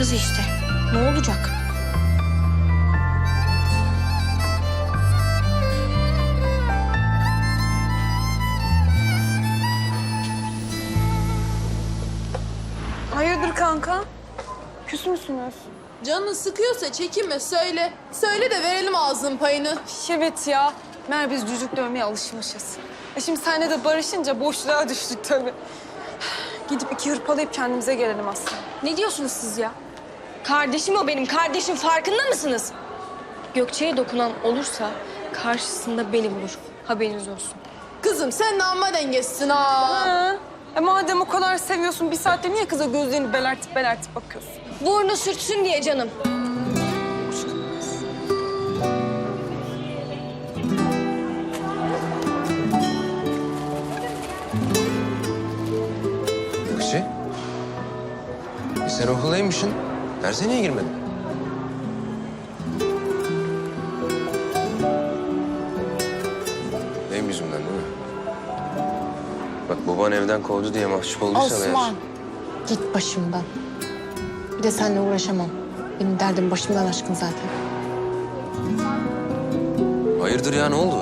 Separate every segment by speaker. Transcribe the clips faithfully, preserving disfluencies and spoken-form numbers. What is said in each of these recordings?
Speaker 1: kız işte. Ne olacak?
Speaker 2: Hayırdır kanka? Küs müsünüz?
Speaker 3: Canını sıkıyorsa çekinme, söyle. Söyle de verelim ağzının payını.
Speaker 2: Evet ya. Mer biz cücük dövmeye alışmışız. E şimdi seninle de barışınca boşluğa düştük tabii. Gidip iki hırpalayıp kendimize gelelim aslında.
Speaker 1: Ne diyorsunuz siz ya? Kardeşim o benim kardeşim, farkında mısınız? Gökçe'ye dokunan olursa karşısında beni bulur. Haberiniz olsun.
Speaker 3: Kızım sen de amma dengesizsin ha.
Speaker 2: Ha. E madem o kadar seviyorsun bir saatte niye kıza gözlerini belertip belertip bakıyorsun?
Speaker 1: Burnu sürtsün diye canım.
Speaker 4: Gökçe. E sen okuldaymışsın. Derse niye girmedin? Benim yüzümden değil mi? Bak baban evden kovdu diye mahcup olduysan eğer...
Speaker 5: Osman, git başımdan. Bir de seninle uğraşamam. Benim derdim başımdan aşkın zaten.
Speaker 4: Hayırdır ya ne oldu?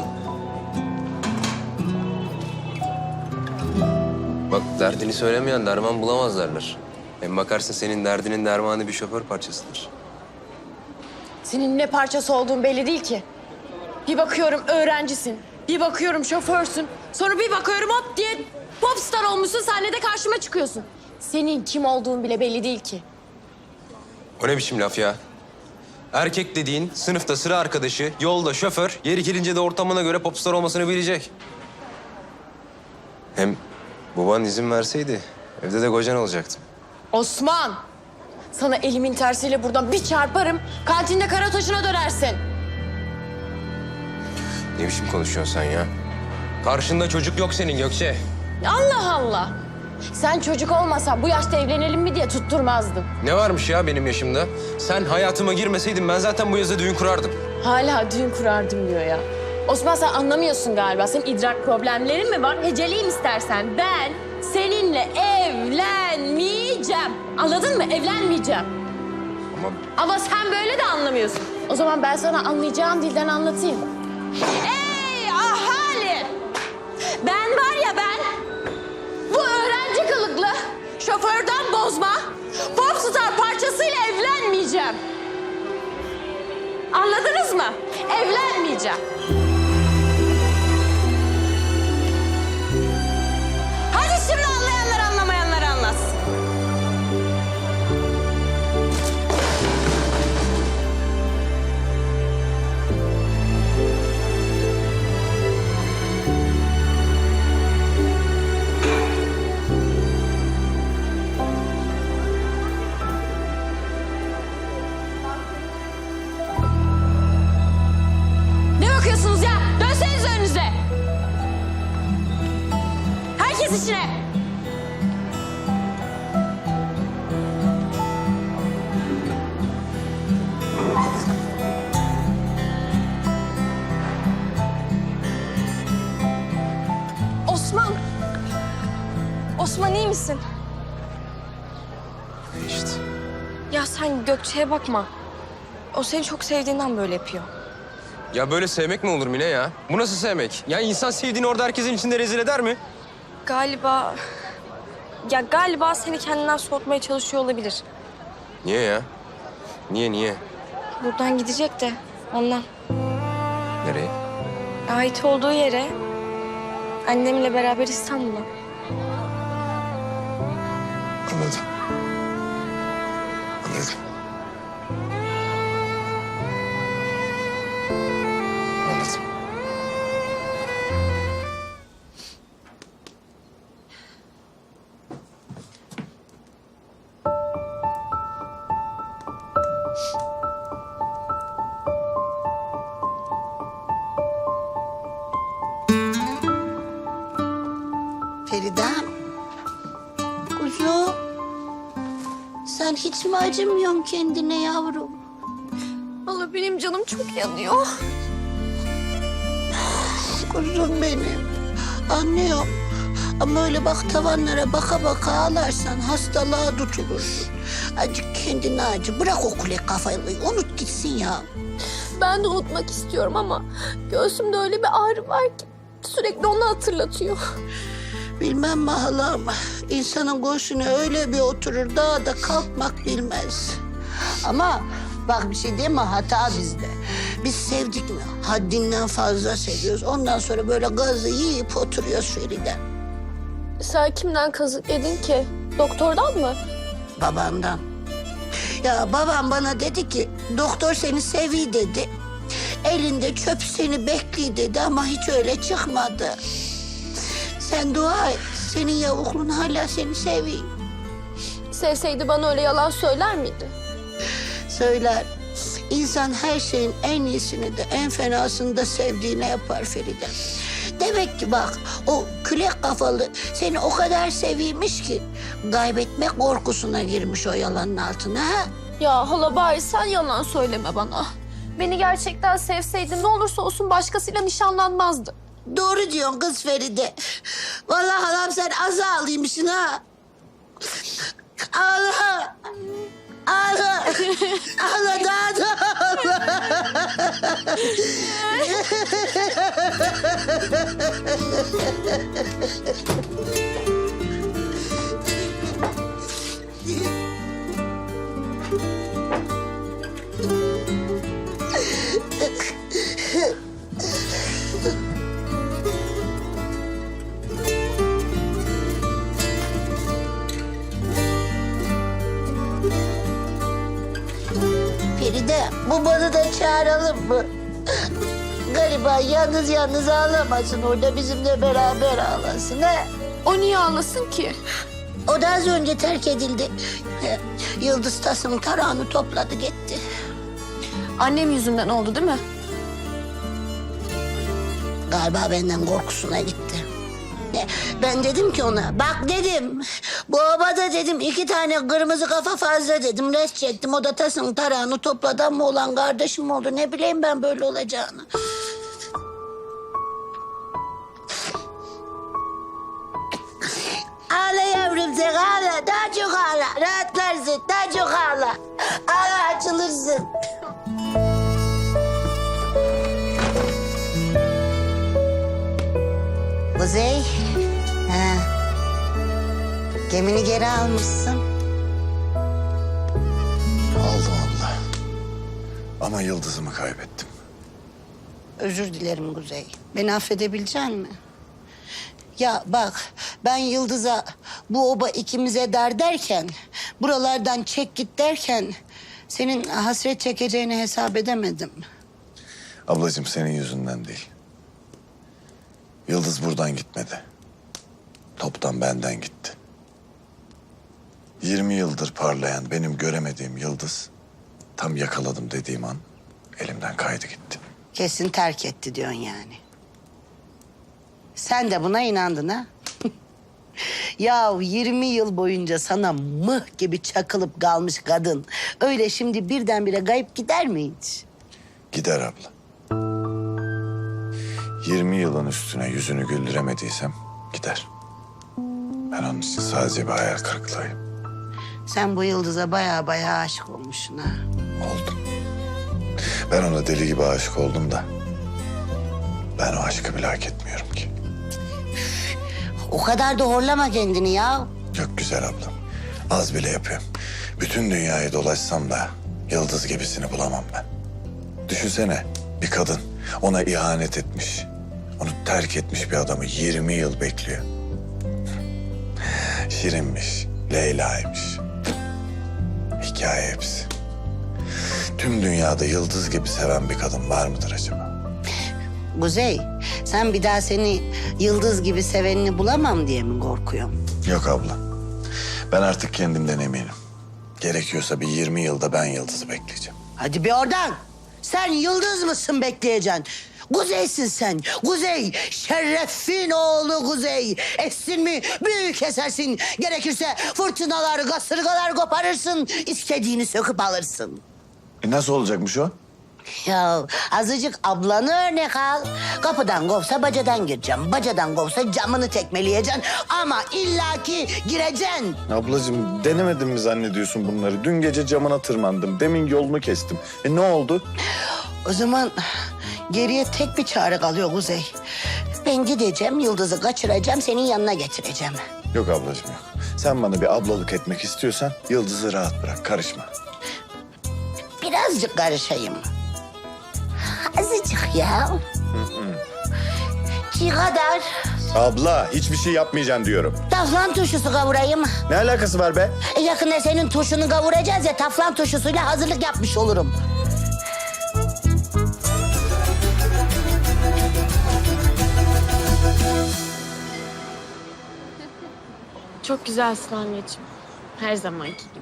Speaker 4: Bak derdini söylemeyen derman bulamaz derler. Hem bakarsın senin derdinin dermanı bir şoför parçasıdır.
Speaker 6: Senin ne parçası olduğun belli değil ki. Bir bakıyorum öğrencisin, bir bakıyorum şoförsün. Sonra bir bakıyorum hop diye popstar olmuşsun, sahnede karşıma çıkıyorsun. Senin kim olduğun bile belli değil ki.
Speaker 4: O ne biçim laf ya? Erkek dediğin sınıfta sıra arkadaşı, yolda şoför, yeri gelince de ortamına göre popstar olmasını bilecek. Hem baban izin verseydi evde de kocan olacaktım.
Speaker 6: Osman, sana elimin tersiyle buradan bir çarparım, kantinde kara taşına dönersin.
Speaker 4: Ne biçim konuşuyorsun sen ya? Karşında çocuk yok senin Gökçe.
Speaker 6: Allah Allah. Sen çocuk olmasan bu yaşta evlenelim mi diye tutturmazdın.
Speaker 4: Ne varmış ya benim yaşımda? Sen hayatıma girmeseydin ben zaten bu yazda düğün kurardım.
Speaker 6: Hala düğün kurardım diyor ya. Osman sen anlamıyorsun galiba. Senin idrak problemlerin mi var? Heceleyim istersen. Ben seninle evlenmeyeceğim. Anladın mı? Evlenmeyeceğim.
Speaker 4: Ama
Speaker 6: Ama sen böyle de anlamıyorsun. O zaman ben sana anlayacağım dilden anlatayım. Ey ahali! Ben var ya ben, bu öğrenci kılıklı, şoförden bozma, popstar parçasıyla evlenmeyeceğim. Anladınız mı? Evlenmeyeceğim. Hadi şimdi anlayanlar anlamayanlar anlasın. Ne bakıyorsunuz ya? Dönseniz önünüze. Herkes içine.
Speaker 1: Osman! Osman iyi misin?
Speaker 4: ne işte.
Speaker 1: Ya sen Gökçe'ye bakma. O seni çok sevdiğinden böyle yapıyor.
Speaker 4: Ya böyle sevmek mi olur Mine ya? Bu nasıl sevmek? Ya insan sevdiğini orada herkesin içinde rezil eder mi?
Speaker 1: Galiba... Ya galiba seni kendinden soğutmaya çalışıyor olabilir.
Speaker 4: Niye ya? Niye niye?
Speaker 1: Buradan gidecek de ondan.
Speaker 4: Nereye?
Speaker 1: Ait olduğu yere, annemle beraber İstanbul'a.
Speaker 4: Anladım. Anladım. Anladım.
Speaker 7: Feridem. Kuzum. Sen hiç mi acımıyorsun kendine yavrum?
Speaker 1: Vallahi benim canım çok yanıyor.
Speaker 7: Kuzum benim. Anlıyorum. Ama öyle bak tavanlara baka baka ağlarsan hastalığa tutulursun. Acık kendine acı. Bırak o kule kafayı. Unut gitsin ya.
Speaker 6: Ben de unutmak istiyorum ama göğsümde öyle bir ağrı var ki sürekli onu hatırlatıyor.
Speaker 7: Bilmem mi halam. İnsanın göğsüne öyle bir oturur daha da kalkmak bilmez. Ama bak bir şey diyeyim mi? Hata bizde. Biz sevdik mi? Haddinden fazla seviyoruz. Ondan sonra böyle gazı yiyip oturuyoruz Feride.
Speaker 6: Sen kimden kazık yedin ki? Doktordan mı?
Speaker 7: Babandan. Ya babam bana dedi ki doktor seni sevi dedi. Elinde çöp seni bekliyor dedi ama hiç öyle çıkmadı. Sen dua et. Senin yavuklun hala seni seviyor.
Speaker 6: Sevseydi bana öyle yalan söyler miydi?
Speaker 7: Söyler. İnsan her şeyin en iyisini de en fenasını da sevdiğine yapar Feride. Demek ki bak o külek kafalı seni o kadar seviymiş ki kaybetmek korkusuna girmiş o yalanın altına. Ha?
Speaker 6: Ya hala bari sen yalan söyleme bana. Beni gerçekten sevseydin ne olursa olsun başkasıyla nişanlanmazdı.
Speaker 7: Doğru diyorsun kız Feride. Vallahi halam sen az ağlıymışsın ha. Ağla. Ağla. Ağla daha da ağla. Feride, babanı da çağıralım mı? Gariban yalnız yalnız ağlamasın orada bizimle beraber ağlasın ha.
Speaker 6: O niye ağlasın ki?
Speaker 7: O da az önce terk edildi. Yıldız Tas'ın tarağını topladı gitti.
Speaker 6: Annem yüzünden oldu değil mi?
Speaker 7: Galiba benden korkusuna gitti. Ben dedim ki ona, bak dedim, bu obada dedim iki tane kırmızı kafa fazla dedim. Res çektim, o da Tas'ın tarağını topladı ama olan kardeşim oldu. Ne bileyim ben böyle olacağını. Ağla yavrum sen ağla, daha çok ağla. Rahatlarsın, daha çok ağla. Ağla açılırsın. Kuzey, ha. Gemini geri almışsın.
Speaker 8: Aldım abla. Ama yıldızımı kaybettim.
Speaker 7: Özür dilerim Kuzey. Beni affedebilecek misin? Ya bak, ben Yıldız'a bu oba ikimize dar derken, buralardan çek git derken, senin hasret çekeceğini hesap edemedim.
Speaker 8: Ablacığım senin yüzünden değil. Yıldız buradan gitmedi. Toptan benden gitti. Yirmi yıldır parlayan benim göremediğim yıldız... tam yakaladım dediğim an elimden kaydı gitti.
Speaker 7: Kesin terk etti diyorsun yani. Sen de buna inandın ha? Ya yirmi yıl boyunca sana mıh gibi çakılıp kalmış kadın... öyle şimdi birdenbire kayıp gider mi hiç?
Speaker 8: Gider abla. Yirmi yılın üstüne yüzünü güldüremediysem gider. Ben onun için sadece bir hayal kırıklığıyım.
Speaker 7: Sen bu Yıldız'a baya baya aşık olmuşsun ha.
Speaker 8: Oldum. Ben ona deli gibi aşık oldum da... ben o aşkı bile hak etmiyorum ki.
Speaker 7: O kadar da horlama kendini ya.
Speaker 8: Çok güzel ablam. Az bile yapıyorum. Bütün dünyayı dolaşsam da yıldız gibisini bulamam ben. Düşünsene bir kadın ona ihanet etmiş. Onu terk etmiş bir adamı yirmi yıl bekliyor. Şirinmiş, Leyla'ymış. Hikaye hepsi. Tüm dünyada yıldız gibi seven bir kadın var mıdır acaba?
Speaker 7: Kuzey, sen bir daha seni Yıldız gibi sevenini bulamam diye mi korkuyorsun?
Speaker 8: Yok abla. Ben artık kendimden eminim. Gerekiyorsa bir yirmi yılda ben Yıldız'ı bekleyeceğim.
Speaker 7: Hadi bir oradan. Sen Yıldız mısın bekleyeceksin? Kuzey'sin sen. Kuzey, şerefin oğlu Kuzey. Essin mi büyük esersin. Gerekirse fırtınalar, kasırgalar koparırsın. İstediğini söküp alırsın.
Speaker 8: E nasıl olacakmış o?
Speaker 7: Ya azıcık ablanı örnek al. Kapıdan kovsa bacadan gireceğim. Bacadan kovsa camını tekmeleyeceksin. Ama illaki gireceksin.
Speaker 8: Ablacığım denemedim mi zannediyorsun bunları? Dün gece camına tırmandım. Demin yolunu kestim. E ne oldu?
Speaker 7: O zaman geriye tek bir çare kalıyor Kuzey. Ben gideceğim, Yıldız'ı kaçıracağım, senin yanına getireceğim.
Speaker 8: Yok ablacığım yok. Sen bana bir ablalık etmek istiyorsan Yıldız'ı rahat bırak. Karışma.
Speaker 7: Birazcık karışayım. Azıcık ya. Ki kadar.
Speaker 8: Abla hiçbir şey yapmayacaksın diyorum.
Speaker 7: Taflan turşusu kavurayım.
Speaker 8: Ne alakası var be?
Speaker 7: E, yakında senin turşunu kavuracağız ya, taflan turşusuyla hazırlık yapmış olurum.
Speaker 6: Çok güzelsin anneciğim. Her zamanki gibi.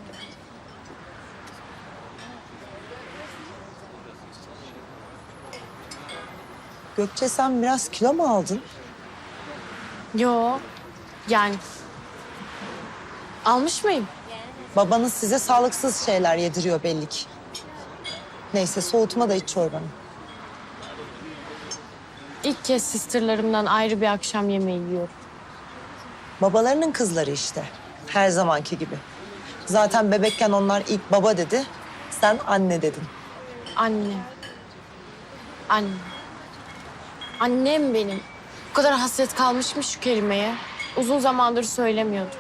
Speaker 9: Gökçe sen biraz kilo mu aldın?
Speaker 6: Yo. Yani. Almış mıyım?
Speaker 9: Babanız size sağlıksız şeyler yediriyor belli ki. Neyse soğutma da iç çorbanı.
Speaker 6: İlk kez sisterlarımdan ayrı bir akşam yemeği yiyorum.
Speaker 9: Babalarının kızları işte. Her zamanki gibi. Zaten bebekken onlar ilk baba dedi. Sen anne dedin.
Speaker 6: Annem. Annem. Annem benim. Bu kadar hasret kalmışmış şu kelimeye. Uzun zamandır söylemiyordum.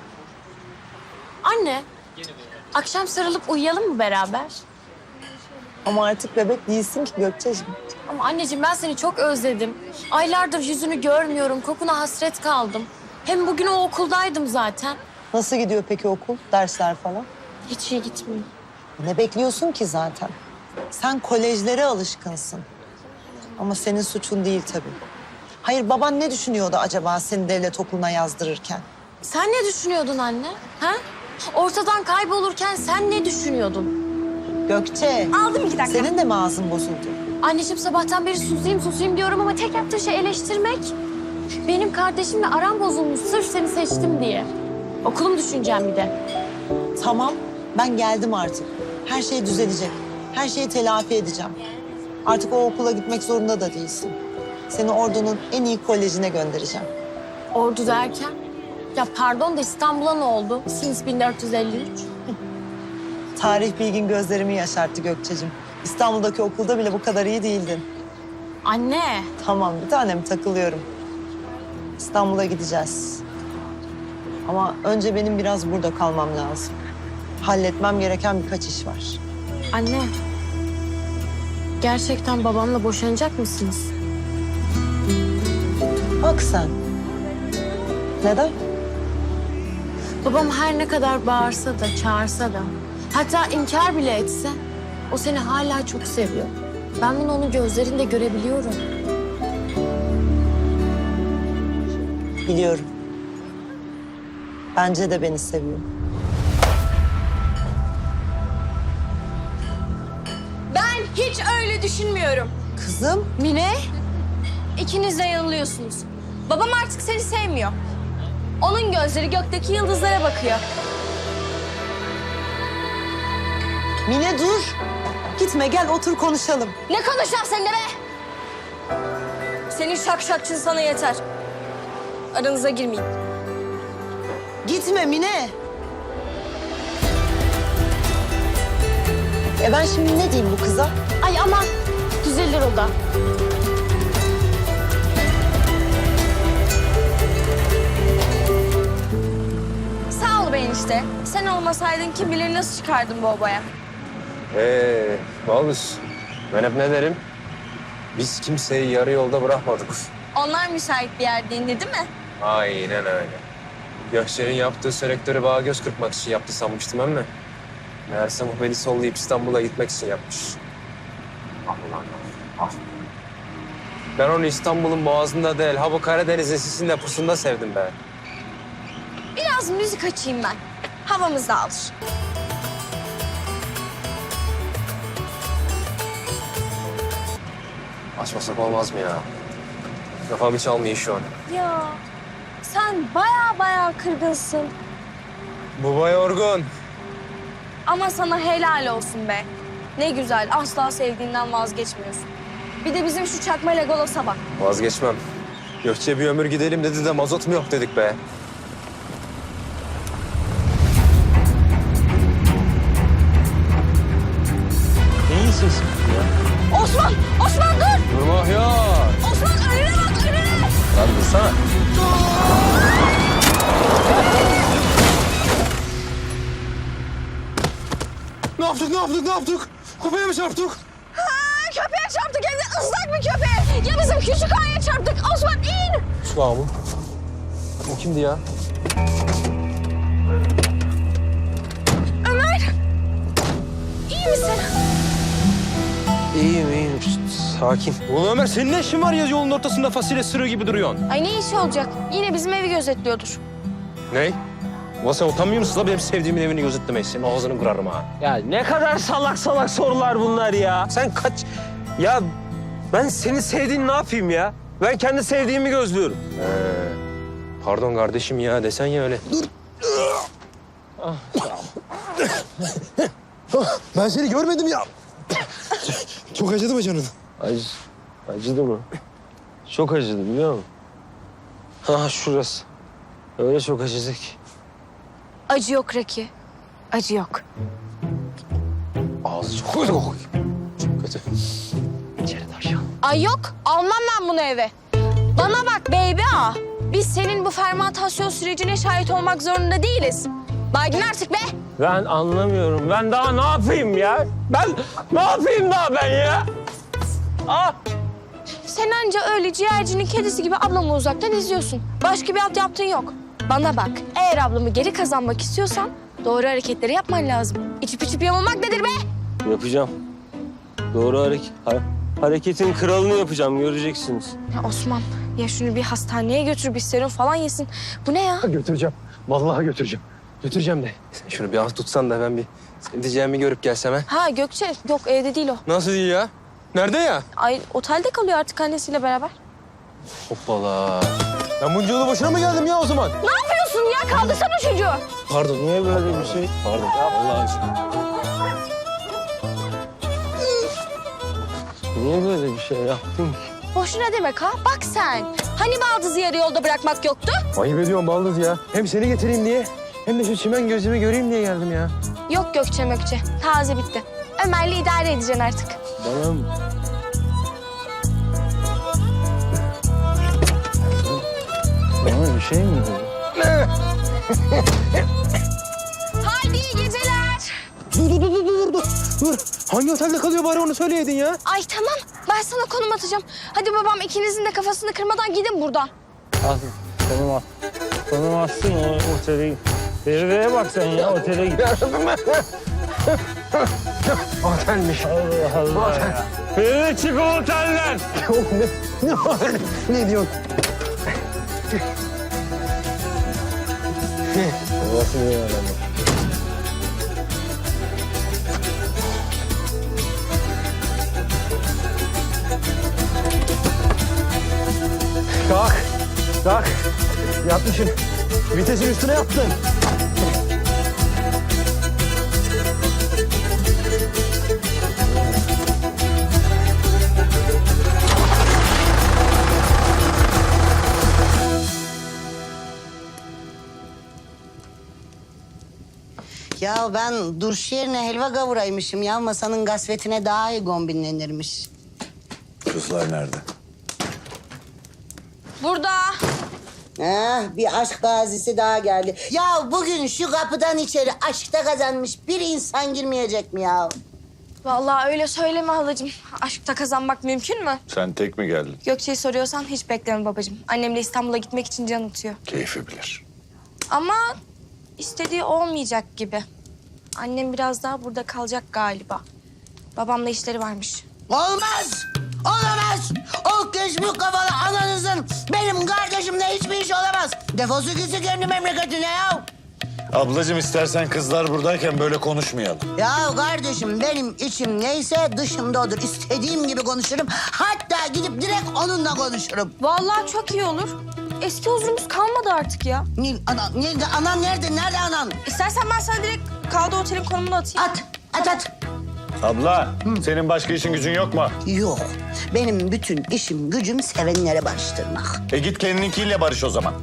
Speaker 6: Anne, akşam sarılıp uyuyalım mı beraber?
Speaker 9: Ama artık bebek değilsin ki Gökçeciğim.
Speaker 6: Ama anneciğim ben seni çok özledim. Aylardır yüzünü görmüyorum, kokuna hasret kaldım. Hem bugün o okuldaydım zaten.
Speaker 9: Nasıl gidiyor peki okul, dersler falan?
Speaker 6: Hiç iyi gitmiyor.
Speaker 9: Ne bekliyorsun ki zaten? Sen kolejlere alışkınsın. Ama senin suçun değil tabii. Hayır baban ne düşünüyordu acaba seni devlet okuluna yazdırırken?
Speaker 6: Sen ne düşünüyordun anne? Ha? Ortadan kaybolurken sen ne düşünüyordun?
Speaker 9: Gökçe.
Speaker 1: Aldım iki dakika.
Speaker 9: Senin de mi ağzın bozuldu?
Speaker 6: Anneciğim sabahtan beri susayım susayım diyorum ama tek yaptığı şey eleştirmek. Benim kardeşimle aram bozulmuş sırf seni seçtim diye. Okulum düşüneceğim bir de.
Speaker 9: Tamam, ben geldim artık. Her şey düzelecek. Her şeyi telafi edeceğim. Artık o okula gitmek zorunda da değilsin. Seni Ordu'nun en iyi kolejine göndereceğim.
Speaker 6: Ordu derken? Ya pardon da İstanbul'a ne oldu? Since bin dört yüz elli üç.
Speaker 9: Tarih bilgin gözlerimi yaşarttı Gökçe'cim. İstanbul'daki okulda bile bu kadar iyi değildin.
Speaker 6: Anne.
Speaker 9: Tamam, bir tanem takılıyorum. İstanbul'a gideceğiz. Ama önce benim biraz burada kalmam lazım. Halletmem gereken birkaç iş var.
Speaker 6: Anne. Gerçekten babamla boşanacak mısınız?
Speaker 9: Bak sen. Neden?
Speaker 6: Babam her ne kadar bağırsa da, çağırsa da, hatta inkar bile etse, o seni hala çok seviyor. Ben bunu onun gözlerinde görebiliyorum.
Speaker 9: Biliyorum. Bence de beni seviyor.
Speaker 1: Ben hiç öyle düşünmüyorum.
Speaker 9: Kızım,
Speaker 1: Mine, ikiniz de yanılıyorsunuz. Babam artık seni sevmiyor. Onun gözleri gökteki yıldızlara bakıyor.
Speaker 9: Mine dur. Gitme gel otur konuşalım.
Speaker 1: Ne konuşacağım seninle be? Senin şakşakçın sana yeter. Aranıza girmeyeyim.
Speaker 9: Gitme Mine. E ben şimdi ne diyeyim bu kıza?
Speaker 6: Ay aman, düzelir o da.
Speaker 1: Sağ ol be enişte. Sen olmasaydın kim bilir nasıl çıkardın bu obaya.
Speaker 4: Ee, Balbus, ben hep ne derim? Biz kimseyi yarı yolda bırakmadık.
Speaker 1: Onlar müsait bir yerde indi değil mi?
Speaker 4: Aynen öyle. Gökçe'nin yaptığı selektörü bana göz kırpmak için yaptı sanmıştım ama meğerse bu beni sollayıp İstanbul'a gitmek için yapmış. Ah ulan ah. Ben onu İstanbul'un boğazında değil, ha bu Karadeniz'in sisinde pusunda sevdim be.
Speaker 1: Biraz müzik açayım ben. Havamız dağılır.
Speaker 4: Açmasak olmaz mı ya? Kafam hiç almıyor şu an.
Speaker 1: Ya sen baya baya kırgınsın.
Speaker 4: Baba yorgun.
Speaker 1: Ama sana helal olsun be. Ne güzel, asla sevdiğinden vazgeçmiyorsun. Bir de bizim şu çakma Legolas'a bak.
Speaker 4: Vazgeçmem. Gökçe bir ömür gidelim dedi de mazot mu yok dedik be.
Speaker 10: Neyin sesi ya?
Speaker 1: Osman! Osman dur!
Speaker 4: Durma ya.
Speaker 1: Osman önüne bak, önüne!
Speaker 4: Lan dursana.
Speaker 10: Ne yaptık, ne yaptık, ne yaptık? Köpeğe mi çarptık?
Speaker 1: Ha, köpeğe çarptık, hem de ıslak bir köpeğe. Ya bizim küçük ağaya çarptık. Osman in!
Speaker 4: Şu an mı? O kimdi ya?
Speaker 1: Ömer! İyi misin?
Speaker 10: İyiyim, iyiyim. Şşt, sakin. Oğlum Ömer, senin ne işin var ya yolun ortasında fasulye sırığı gibi duruyorsun?
Speaker 1: Ay ne işi olacak? Yine bizim evi gözetliyordur.
Speaker 10: Ne? Ulan sen utanmıyor musun la benim sevdiğimin evini gözetlemeyi? Senin ağzını kırarım ha. Ya ne kadar salak salak sorular bunlar ya. Sen kaç... Ya ben senin sevdiğini ne yapayım ya? Ben kendi sevdiğimi gözlüyorum.
Speaker 4: Ee, pardon kardeşim ya desen ya öyle.
Speaker 10: Ben seni görmedim ya. Çok acıdı mı canın?
Speaker 11: Acı, acıdı mı? Çok acıdı biliyor musun?
Speaker 10: Ha şurası.
Speaker 11: Öyle çok acıdı ki.
Speaker 1: Acı yok Raki. Acı yok.
Speaker 10: Ağzı çok kötü kokuyor. Çok kötü.
Speaker 1: Ay yok, almam ben bunu eve. Bana bak baby ağa. Biz senin bu fermantasyon sürecine şahit olmak zorunda değiliz. Baygın artık be.
Speaker 11: Ben anlamıyorum. Ben daha ne yapayım ya? Ben ne yapayım daha ben ya? Ah!
Speaker 1: Sen anca öyle ciğercinin kedisi gibi ablamı uzaktan izliyorsun. Başka bir alt yaptığın yok. Bana bak, eğer ablamı geri kazanmak istiyorsan doğru hareketleri yapman lazım. İçip içip yamulmak nedir be?
Speaker 11: Yapacağım. Doğru hareket. ha- hareketin kralını yapacağım. Göreceksiniz.
Speaker 1: Ya Osman, ya şunu bir hastaneye götür, bir serum falan yesin. Bu ne ya?
Speaker 4: Götüreceğim. Vallahi götüreceğim. Götüreceğim de. Sen şunu bir az tutsan da ben bir senin diyeceğimi görüp gelsem ha.
Speaker 1: Ha Gökçe, yok evde değil o.
Speaker 4: Nasıl değil ya? Nerede ya?
Speaker 1: Ay otelde kalıyor artık annesiyle beraber.
Speaker 4: Hoppala. Ben bunca yolu boşuna mı geldim ya o zaman?
Speaker 1: Ne yapıyorsun ya? Kaldırsana çocuğu.
Speaker 11: Pardon. Niye böyle bir şey? Pardon. Allah aşkına. Niye böyle bir şey yaptın ki?
Speaker 1: Boşuna demek ha. Bak sen. Hani baldızı yarı yolda bırakmak yoktu?
Speaker 4: Ayıp ediyorsun baldız ya. Hem seni getireyim diye hem de şu çimen gözümü göreyim diye geldim ya.
Speaker 1: Yok Gökçe Mökçe. Taze bitti. Ömer'le idare edeceksin artık.
Speaker 11: Bana mı? Bana bir şey mi dedi?
Speaker 1: Haydi iyi geceler.
Speaker 10: Dur, dur, dur, dur, dur, dur. Dur. Hangi otelde kalıyor bari onu söyleydin ya.
Speaker 1: Ay tamam. Ben sana konum atacağım. Hadi babam ikinizin de kafasını kırmadan gidin buradan.
Speaker 11: Al. Konum at. Konum atsın o otele git. Feride'ye bak sen ya otele git.
Speaker 4: Otelmiş.
Speaker 11: Allah Allah ya. Feride çık o otelden.
Speaker 10: ne, ne var? Ne diyorsun?
Speaker 11: Babası niye aramıyor?
Speaker 10: Kalk. Kalk. Yatmışsın. Vitesin üstüne yattın.
Speaker 7: Ya ben durş yerine helva kavuraymışım ya. Masanın gasvetine daha iyi kombinlenirmiş.
Speaker 8: Kızlar nerede?
Speaker 1: Burada.
Speaker 7: Ha, bir aşk gazisi daha geldi. Ya bugün şu kapıdan içeri aşkta kazanmış bir insan girmeyecek mi ya?
Speaker 1: Vallahi öyle söyleme halacığım. Aşkta kazanmak mümkün mü?
Speaker 8: Sen tek mi geldin?
Speaker 1: Gökçe'yi soruyorsan hiç bekleme babacığım. Annemle İstanbul'a gitmek için can atıyor.
Speaker 8: Keyfi bilir.
Speaker 1: Ama istediği olmayacak gibi. Annem biraz daha burada kalacak galiba. Babamla işleri varmış.
Speaker 7: Olmaz! Olamaz! O keşmük kafalı ananızın benim kardeşimle hiçbir iş olamaz. Defosu gitsin kendi memleketine ya.
Speaker 8: Ablacığım istersen kızlar buradayken böyle konuşmayalım.
Speaker 7: Ya kardeşim benim içim neyse dışımda odur. İstediğim gibi konuşurum. Hatta gidip direkt onunla konuşurum.
Speaker 1: Vallahi çok iyi olur. Eski huzurumuz kalmadı artık ya.
Speaker 7: Ne, ana, nerede, anan nerede? Nerede anan?
Speaker 1: İstersen ben sana direkt kaldığı otelin konumunu atayım.
Speaker 7: At, at, at.
Speaker 12: Abla, senin başka işin gücün yok mu?
Speaker 7: Yok. Benim bütün işim gücüm sevenlere barıştırmak.
Speaker 12: E git kendininkiyle barış o zaman.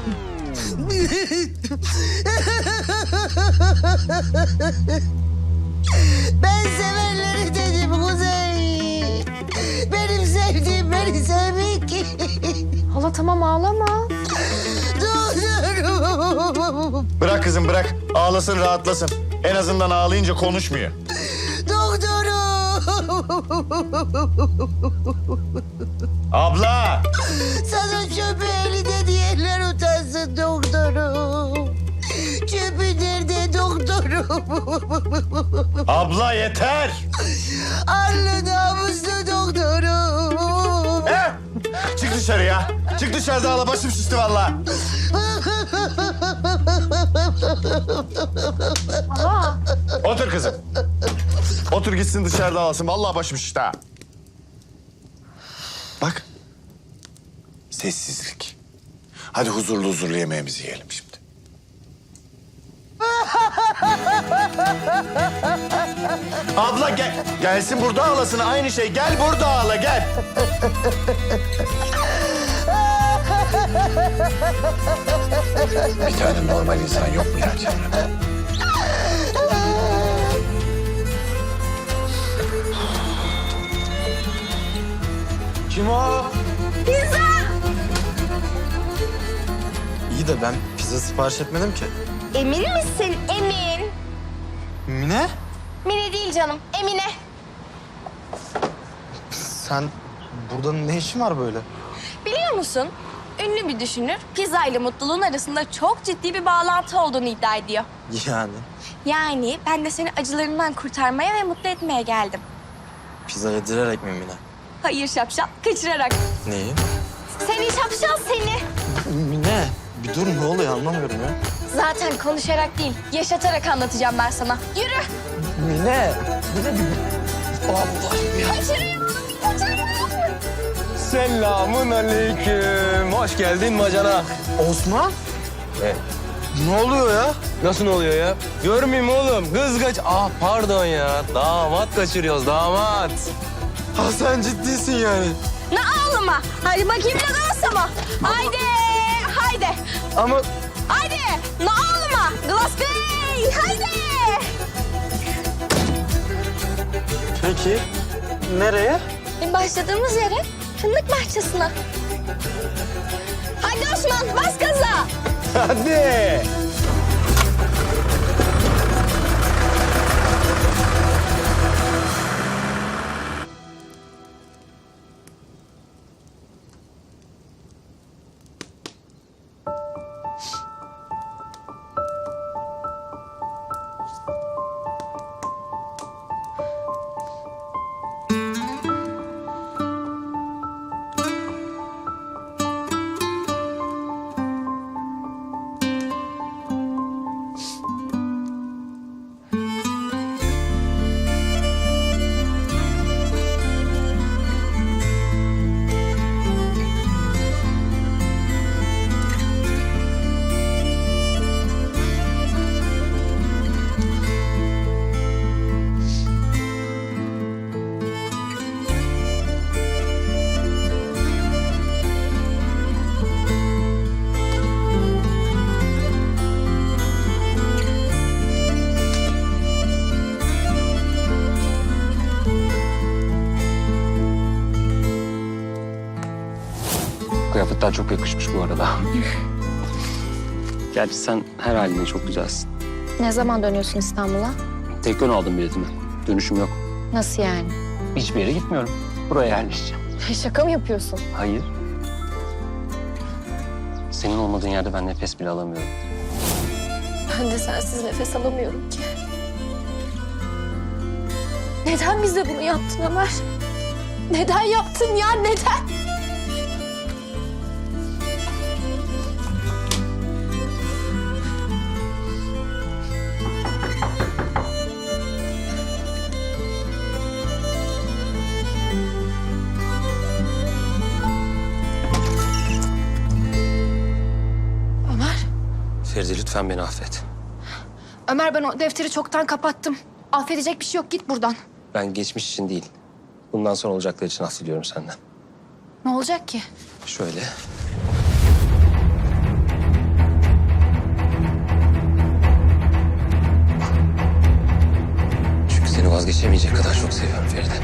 Speaker 7: Ben sevenleri dedim Kuzey. Benim sevdiğim beni sevmiyor ki.
Speaker 5: Hala tamam ağlama.
Speaker 7: Doktorum.
Speaker 12: Bırak kızım bırak. Ağlasın rahatlasın. En azından ağlayınca konuşmuyor.
Speaker 7: Doktorum.
Speaker 12: Abla!
Speaker 7: Sana çöpü elinde diyenler utansın doktorum. Çöpü nerede doktorum?
Speaker 12: Abla yeter!
Speaker 7: Arlı namuslu doktorum.
Speaker 12: He? Çık dışarıya. Çık dışarıda ağla. Başım şişti vallahi. Otur kızım. Otur gitsin dışarıda ağlasın. Vallahi başım şişti ha.
Speaker 8: Bak. Sessizlik. Hadi huzurlu huzurlu yemeğimizi yiyelim şimdi.
Speaker 12: Abla gel. Gelsin burada ağlasın. Aynı şey. Gel burada ağla gel.
Speaker 8: Bir tane normal insan yok mu ya çevremde?
Speaker 10: Kim o?
Speaker 13: İyi de ben pizza sipariş etmedim ki.
Speaker 1: Emin misin? Emin.
Speaker 13: Mine,
Speaker 1: Mine değil canım, Emine.
Speaker 13: sen burada ne işin var böyle?
Speaker 1: Biliyor musun? Ünlü bir düşünür, pizza ile mutluluğun arasında çok ciddi bir bağlantı olduğunu iddia ediyor.
Speaker 13: Yani
Speaker 1: Yani ben de seni acılarından kurtarmaya ve mutlu etmeye geldim.
Speaker 13: pizza yedirerek mi Mine?
Speaker 1: Hayır şapşal, kaçırarak.
Speaker 13: Neyi?
Speaker 1: Seni şapşal seni.
Speaker 13: Mine, bir dur ne oluyor anlamıyorum ya.
Speaker 1: Zaten konuşarak değil, yaşatarak anlatacağım ben sana. Yürü.
Speaker 13: Mine, Mine bir... Allah'ım ya.
Speaker 1: Kaçırıyorum, kaçırıyorum.
Speaker 10: Selamun aleyküm. Hoş geldin bacana.
Speaker 13: Osman?
Speaker 10: Ne?
Speaker 13: Ne oluyor ya?
Speaker 10: Nasıl oluyor ya? Görmeyeyim oğlum. Kız kaç... Ah pardon ya. Damat kaçırıyoruz damat.
Speaker 13: Ha sen ciddisin yani.
Speaker 1: Ne ağlama. Hadi bakayım ne glas ama. Haydi, haydi.
Speaker 10: Ama
Speaker 1: Haydi, ne ağlama. Glass Bey, haydi.
Speaker 13: Peki, nereye?
Speaker 1: Başladığımız yere, fındık bahçesine. Hadi Osman, bas gaza.
Speaker 10: hadi.
Speaker 4: Kıyafetler çok yakışmış bu arada. Gerçi sen her haline çok güzelsin.
Speaker 5: Ne zaman dönüyorsun İstanbul'a?
Speaker 4: Tek yön aldım biletimi. Dönüşüm yok.
Speaker 5: Nasıl yani?
Speaker 4: Hiçbir yere gitmiyorum. Buraya yerleşeceğim.
Speaker 5: Şaka mı yapıyorsun?
Speaker 4: Hayır. Senin olmadığın yerde ben nefes bile alamıyorum.
Speaker 1: Ben de sensiz nefes alamıyorum ki. Neden bize bunu yaptın Ömer? Neden yaptın ya, neden?
Speaker 10: Feride lütfen beni affet.
Speaker 5: Ömer ben o defteri çoktan kapattım. Affedecek bir şey yok, git buradan.
Speaker 10: Ben geçmiş için değil, bundan sonra olacaklar için af diliyorum senden.
Speaker 6: Ne olacak ki?
Speaker 10: Şöyle. Çünkü seni vazgeçemeyecek kadar çok seviyorum Feride.